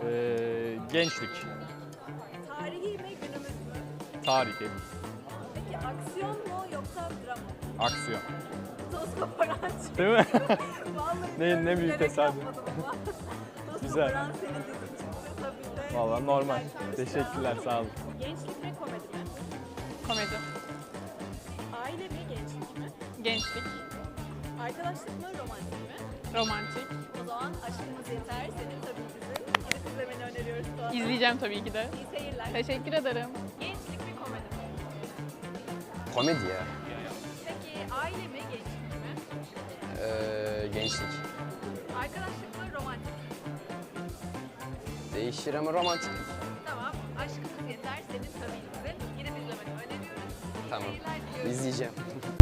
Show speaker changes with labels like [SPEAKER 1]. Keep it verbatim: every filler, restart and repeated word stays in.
[SPEAKER 1] Ee, gençlik.
[SPEAKER 2] Tarihi mi günümüz mü?
[SPEAKER 1] Tarihi.
[SPEAKER 2] Peki aksiyon mu yoksa dram mı?
[SPEAKER 1] Aksiyon.
[SPEAKER 2] Toz koparan şey.
[SPEAKER 1] Değil mi?
[SPEAKER 2] Vallahi
[SPEAKER 1] Ne-
[SPEAKER 2] diyorum,
[SPEAKER 1] ne büyük
[SPEAKER 2] bilerek
[SPEAKER 1] tesadüf.
[SPEAKER 2] yapmadım ama. Toz
[SPEAKER 1] Güzel.
[SPEAKER 2] koparan senin dizin çıktı tabii de.
[SPEAKER 1] Vallahi normal.
[SPEAKER 2] Güzel.
[SPEAKER 1] Teşekkürler, sağ olun.
[SPEAKER 2] Gençlik mi komedi mi?
[SPEAKER 3] Komedi.
[SPEAKER 2] Aile mi gençlik mi?
[SPEAKER 3] Gençlik.
[SPEAKER 2] Arkadaşlık mı romantik mi?
[SPEAKER 3] Romantik.
[SPEAKER 2] O zaman Aşkımız Yeter senin tabii dizin. Gidip izlemeni öneriyoruz Tuğan.
[SPEAKER 3] İzleyeceğim tabii ki de.
[SPEAKER 2] İyi seyirler.
[SPEAKER 3] Teşekkür ederim.
[SPEAKER 2] Gençlik mi komedi mi?
[SPEAKER 4] Komedi ya.
[SPEAKER 2] Peki aile mi gençlik mi?
[SPEAKER 4] Ee, gençlik.
[SPEAKER 2] Arkadaşlık mı romantik mi?
[SPEAKER 4] Değişir ama romantik.
[SPEAKER 2] Tamam. Aşkımız Yeter senin tabii dizin. Gidip izlemeni öneriyoruz. İyi
[SPEAKER 4] Tamam.
[SPEAKER 2] seyirler diliyoruz.
[SPEAKER 4] İzleyeceğim.